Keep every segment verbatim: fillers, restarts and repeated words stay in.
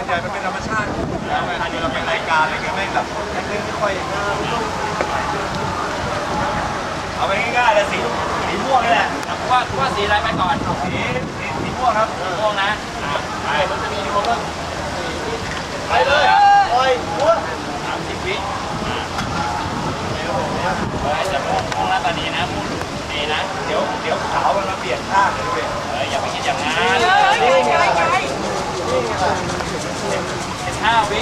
ใหญ่มันเป็นธรรมชาติแล้วเวลาเดี๋ยวเราเป็นรายการอะไรเงี้ยแม่งแบบไม่ค่อยเอาไปง่ายๆเลยสีสีม่วงนี่แหละว่าว่าสีอะไรไปก่อนสีสีสีม่วงครับม่วงนะไปมันจะมีอยู่ก็ไปเลยโอ้ยหัวสามสิบวิจะม่วงม่วงแล้วตอนนี้นะม่วงดีนะเดี๋ยวเดี๋ยวขาวมันมาเปลี่ยนข้างเลยด้วยเอออย่าไปคิดอย่างนั้นสิบห้าวิ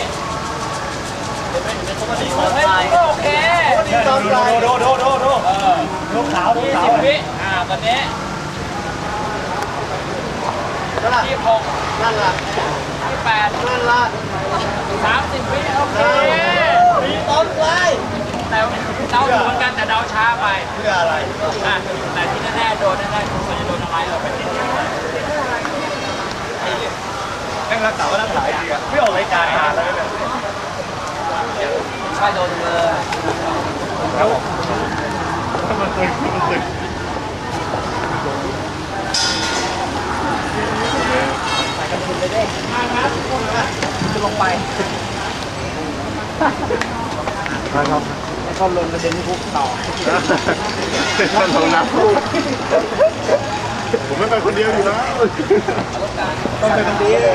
โอเคโดโดโดโดโดโดเออลูกขาวลูกขาวสิบวิอ่าตอนนี้ที่หกนั่นล่ะที่แปดนั่นล่ะสามสิบวิโอเคมีต้นไรแต่เดาเหมือนกันแต่เดาช้าไปเพื่ออะไรอ่ะแต่ที่แน่ๆโดนแน่ๆคุณจะโดนอะไรเราไปติดแม่งรักษาว่ารักษาดีอ่ะไม่ออกรายการนานแล้วเนี่ยใช่โดนเลยครับผมมันตึงมันตึงใส่กระสุนเลยเด้มาครับจะลงไปครับให้เขาลงกระเด็นที่คุกต่อท่านของน้ำผมไม่ไปคนเดียวอยู่แล้วต้องไปคนเดียว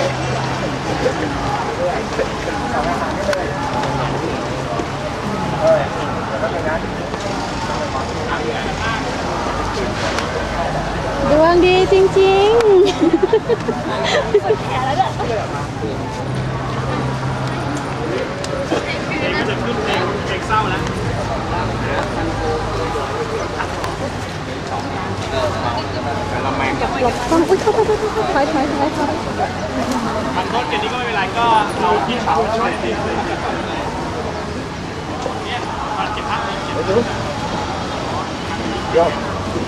ดวงดีจริงๆแขนแล้วเนี่ยเด็กก็จะขึ้นเด็กเด็กเศร้าแล้วเราแมงหลบต้องอุ้ยเข้าไปเข้าไปถอยถอยถอยถอยทำโทษกันนี้ก็ไม่เป็นไรก็เราที่เขาช่วยดีเนี่ยมาเก็บพักเก็บยอด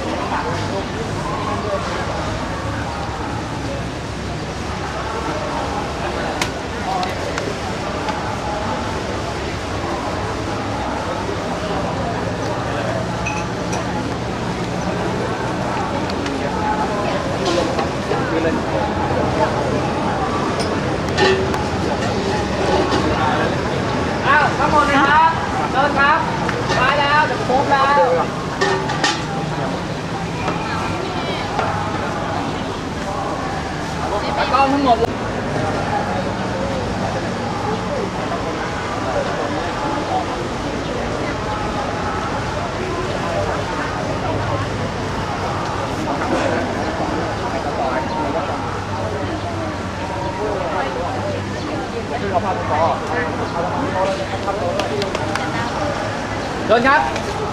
อ้าวทั้งหมดเลยครับเดินครับมาแล้วจะครบแล้วแล้วก็ทั้งหมดเดินครับ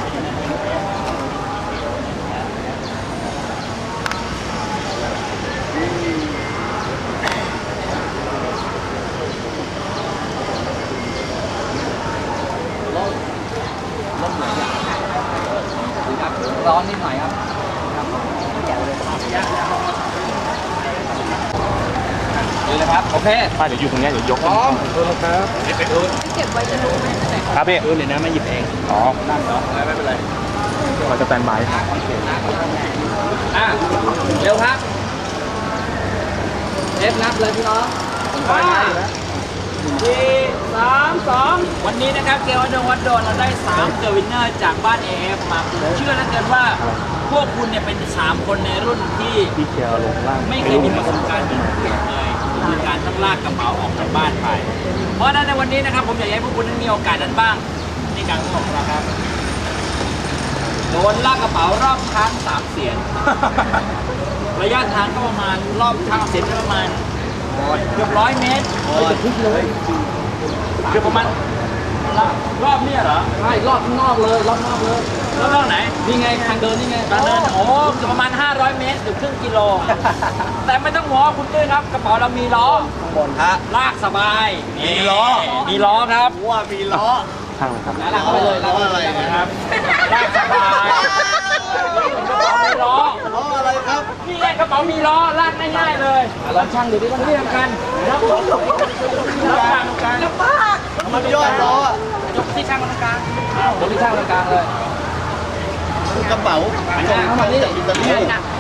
ร้อนนิดหน่อยครับดูเลยครับโอเคป้าเดี๋ยวอยู่ตรงนี้เดี๋ยวยกพร้อมครับไปดูเก็บไว้จะรู้ไหมครับพี่ดูเลยนะไม่หยิบเองอ๋อนั่นเนาะไม่เป็นไรเราจะแตนบายอ่ะเร็วครับเอฟนับเลยพี่น้องห้าสี่สามสองวันนี้นะครับเกมวัดโดนวัดโดนเราได้สามเกมวินเนอร์จากบ้านเอฟมาเชื่อแล้วกันว่าพวกคุณเนี่ยเป็นสามคนในรุ่นที่พี่เคียวลงล่างไม่เคยมีประสบการณ์เหมือนผมเลยคือการต้องลากกระเป๋าออกจากบ้านไปเพราะฉะนั้นในวันนี้นะครับผมอยากให้พวกคุณนั้นมีโอกาสนั้นบ้างในการของผมนะครับโดนลากกระเป๋ารอบช้างสามเสียนระยะทางก็ประมาณรอบช้างเสียนก็ประมาณเกือบร้อยเมตรเกือบประมาณรอบนี้เหรอใช่รอบข้างนอกเลยรอบนอกเลยรอบนอกไหนนี่ไงทางเดินนี่ไงทางเดินโอ้เกือบประมาณห้าร้อยเมตรเกือบครึ่งกิโลแต่ไม่ต้องห่วงคุณตุ้ยครับกระเป๋าเรามีล้อบนฮะลากสบายมีล้อมีล้อครับว่ามีล้อข้างครับลากเข้าไปเลยลากเข้าไปเลยครับลากสบายมีล้อล้ออะไรครับนี่ไงกระเป๋ามีล้อลากง่ายๆเลยแล้วช่างดูดิว่าที่สำคัญรับล้อรับกลางกลางรับบ้ามันยอดล้อยกที่ช่างตรงกลางยกที่ช่างตรงกลางเลยกระเป๋าเข้ามานี่